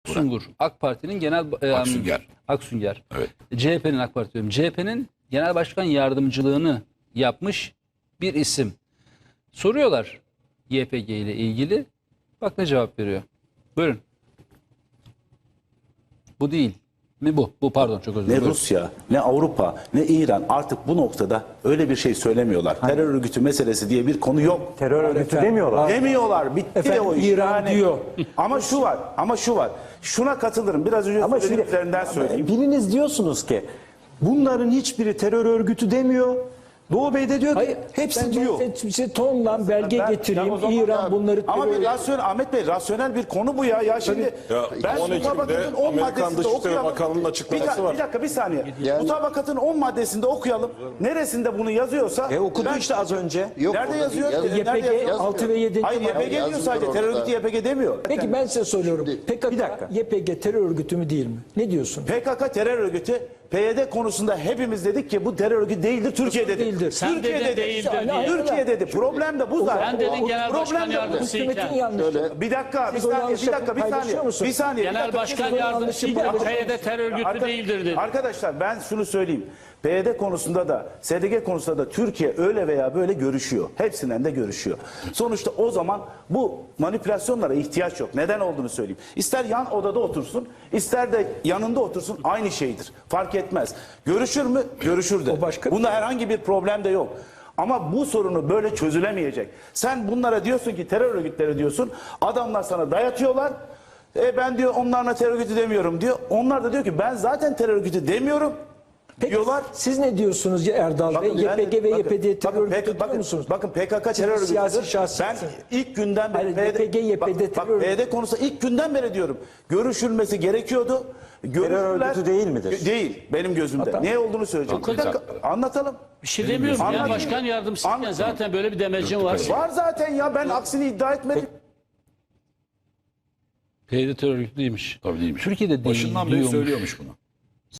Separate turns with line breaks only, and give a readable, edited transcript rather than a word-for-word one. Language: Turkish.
Aksungur, AK Parti'nin genel
Aksunger.
Aksunger.
Evet.
CHP'nin AK Parti diyorum. CHP'nin genel başkan yardımcılığını yapmış bir isim. Soruyorlar YPG ile ilgili. Bak ne cevap veriyor. Buyurun. Bu değil mi bu? Bu pardon çok özür
Ne
dilerim.
Rusya, ne Avrupa, ne İran artık bu noktada öyle bir şey söylemiyorlar. Terör örgütü meselesi diye bir konu yok.
Terör örgütü demiyorlar.
Demiyorlar. Bitti
Efendim,
o iş.
İran diyor.
Ama şu var. Şuna katılırım. Biraz önce
Ama şimdi
söylediklerinden söyleyeyim.
biriniz diyorsunuz ki bunların hiçbiri terör örgütü demiyor. Doğu Bey de diyor ki
Hayır,
hepsi diyor.
Size tonla belge
Ben-
getireyim.
ya o zaman-
İran bunları
Ama bir
terör-
rasyonel, Ahmet Bey rasyonel bir konu bu ya. Ya şimdi ben
10 Ekim'de
mutabakatın 10
Amerikan
maddesinde
Dışişleri
okuyalım.
Bakanlığı'nın açıklaması var.
Bir dakika bir saniye.
Yani-
Mutabakatın 10 maddesinde okuyalım. Neresinde bunu yazıyorsa.
Okudu
ben-
işte az önce.
Yok,
Nerede
burada
yazıyor?
değil.
Nerede
YPG
yazıyor?
6 ve 7.
Hayır YPG diyor
yazmıyor
sadece. Terör
orada.
örgütü YPG demiyor.
Peki ben size soruyorum. PKK,
Bir dakika.
YPG terör örgütü mü değil mi? Ne diyorsun?
PKK terör örgütü. PYD konusunda hepimiz dedik ki bu terör örgütü değildir. Türkiye dedi.
değildir?
Sen
Türkiye
dedin
dedi.
değildir
diye.
Türkiye dedi. Problem de bu zaten.
Sen dedin genel başkan
Problem de bu.
yardımcısıyken.
Hükümetin yanlışı.
Bir dakika, bir
Siz o
saniye,
yanlışı
bir dakika, bir
paylaşıyor
saniye.
musunuz?
Bir saniye. bir
Genel
dakika.
başkan
Siz o
yardımcısıyken
yanlışı
PYD terör örgütü değildir dedi.
Arkadaşlar ben şunu söyleyeyim. PYD konusunda da SDG konusunda da Türkiye öyle veya böyle görüşüyor. Hepsinden de görüşüyor. Sonuçta o zaman bu manipülasyonlara ihtiyaç yok. Neden olduğunu söyleyeyim. İster yan odada otursun, ister de yanında otursun aynı şeydir. Fark etmez. Görüşür mü? Görüşür de.
O başka-
Bunda herhangi bir problem de yok. Ama bu sorunu böyle çözülemeyecek. Sen bunlara diyorsun ki terör örgütleri diyorsun. Adamlar sana dayatıyorlar. Ben diyor onlarla terör örgütü demiyorum diyor. Onlar da diyor ki ben zaten terör örgütü demiyorum.
Peki
diyorlar.
siz ne diyorsunuz ya Erdal Bey?
Bakın ben de-
YPG ve
bakın-
YPD terör
bakın
örgütü
PKK
diyor musunuz?
Bakın PKK terör örgütü.
siyasi şahsiyetsiniz.
Ben ilk günden beri
Hayır, YPG, YPD terör örgütü.
PYD konusunda ilk günden beri diyorum. Görüşülmesi gerekiyordu. Görüşürler.
örgütü değil midir?
Değil benim gözümde.
Hatta-
Ne olduğunu söyleyeceğim. Bir dakika anlatalım.
Bir şey demiyorum. Genel
Anladım.
başkan yardımcısıyken
Anladım.
zaten böyle bir demecin var.
Var zaten ya ben aksini iddia etmedim.
PYD terör örgütü değilmiş.
Tabii değilmiş.
Türkiye'de değil
Başından beri
diyormuş.
söylüyormuş bunu.